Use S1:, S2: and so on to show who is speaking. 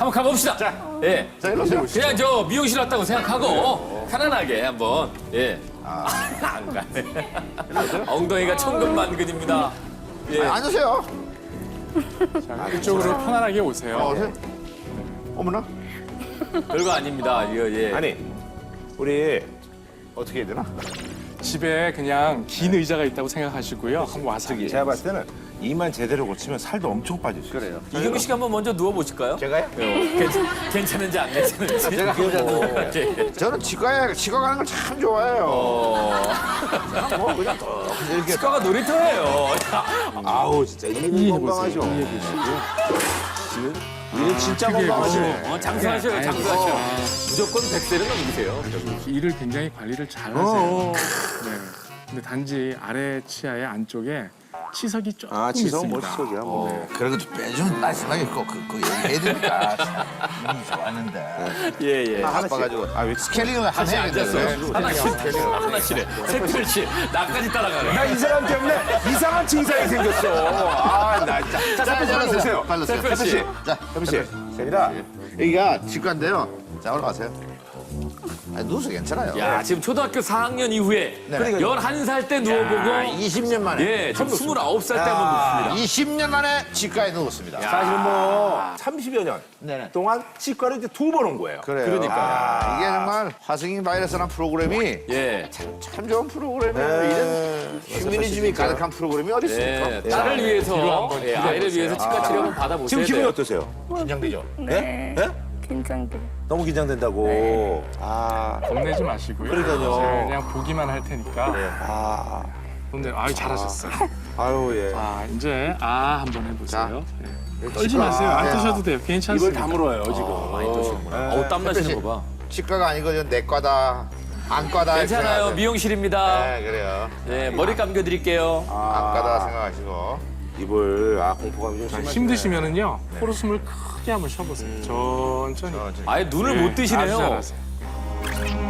S1: 한번 가봅시다. 예.
S2: 자, 일로 오세요.
S1: 그냥 저 미용실 왔다고 생각하고 편안하게 한번. 예. 안 가네. 엉덩이가 천근만근입니다. 예.
S2: 앉으세요.
S3: 자, 이쪽으로 편안하게 오세요.
S2: 오세요. 어머나.
S1: 별거 아닙니다. 이거 예.
S2: 아니, 우리 어떻게 해야 되나?
S3: 집에 그냥 긴 의자가 있다고 생각하시고요. 한번 와서
S4: 저기 제가 봤을 때는 이만 제대로 고치면 살도 엄청 빠질 수 있어요.
S2: 그래요.
S1: 이경규 씨가 한번 먼저 누워 보실까요?
S2: 제가요?
S1: 괜찮은지 안 괜찮은지.
S2: 제가
S1: 예.
S2: 저는 치과 가는 걸 참 좋아해요. 저는 뭐 그냥 또 이렇게
S1: 치과가 놀이터예요.
S4: 아우 진짜 이는 건강하죠. 지금 이는 진짜 건강하시네.
S1: 장수하셔요, 장수하셔. 무조건 100세는 넘기세요.
S3: 이를 굉장히 관리를 잘 하세요. 네. 근데 단지 아래 치아의 안쪽에 치석이 조금
S4: 아 지성
S3: 있습니다.
S4: 멋지적이야. 뭐.
S2: 그런 거 좀 빼주면 말씀하게 꼭 얘기해야 되니까 참 좋았는데.
S1: 예, 예.
S2: 바빠가지고 스케일링을
S1: 다시 앉았어요. 하나씩 해. 셋둘씩 나까지 따라가네.
S4: 나 이 사람 때문에 이상한 증상이 생겼어. 아나 진짜. 자, 빨리 오세요.
S2: 빨리 오세요.
S1: 세표 씨.
S2: 자,
S4: 혜비 씨. 세빈아.
S2: 여기가 치과인데요. 자, 올라가세요. 누워서 괜찮아요.
S1: 야, 지금 초등학교 4학년 이후에
S2: 네.
S1: 11살 때 누워보고
S2: 20년 만에.
S1: 예, 지금 29살 때 한번 눕습니다.
S2: 20년 만에 치과에 누웠습니다.
S4: 사실 뭐 30여 년
S2: 네네.
S4: 동안 치과를 이제 2번 온 거예요.
S2: 그래요.
S1: 그러니까.
S2: 이게 정말 화성인 바이러스라는 프로그램이
S1: 예.
S2: 참 좋은 프로그램이에요. 이런 휴머니즘이 가득한 프로그램이 어디 있습니까?
S1: 예, 딸을 위해서, 예, 아이를 위해서 치과 치료 한번 받아보세요.
S4: 지금 기분이 어떠세요?
S2: 긴장되죠?
S5: 네.
S4: 네?
S5: 긴장돼.
S4: 너무 긴장된다고. 아,
S3: 겁내지 마시고요.
S4: 그러니까요.
S3: 제가 그냥 보기만 할 테니까.
S4: 아,
S3: 근데 아유 잘하셨어요.
S4: 아유 예.
S3: 자 이제 아 한번 해보세요. 네. 떨지
S2: 치과.
S3: 마세요. 안
S2: 네.
S3: 떠셔도 돼요.
S4: 입을
S3: 괜찮습니다.
S4: 다물어요 지금.
S1: 많이 떠시는구나. 어우, 땀 나시는 거 봐.
S2: 치과가 아니고 저 내과다, 안과다.
S1: 괜찮아요.
S2: 생각하세요.
S1: 미용실입니다.
S2: 네, 그래요.
S1: 네, 머리 감겨드릴게요.
S2: 안과다 생각하시고.
S4: 입을 공포감이 좀 심하시네.
S3: 힘드시면은요 코로 숨을 크게 한번 쉬어보세요. 천천히.
S1: 아예 눈을 못
S3: 아주
S1: 뜨시네요.
S3: 잘하세요.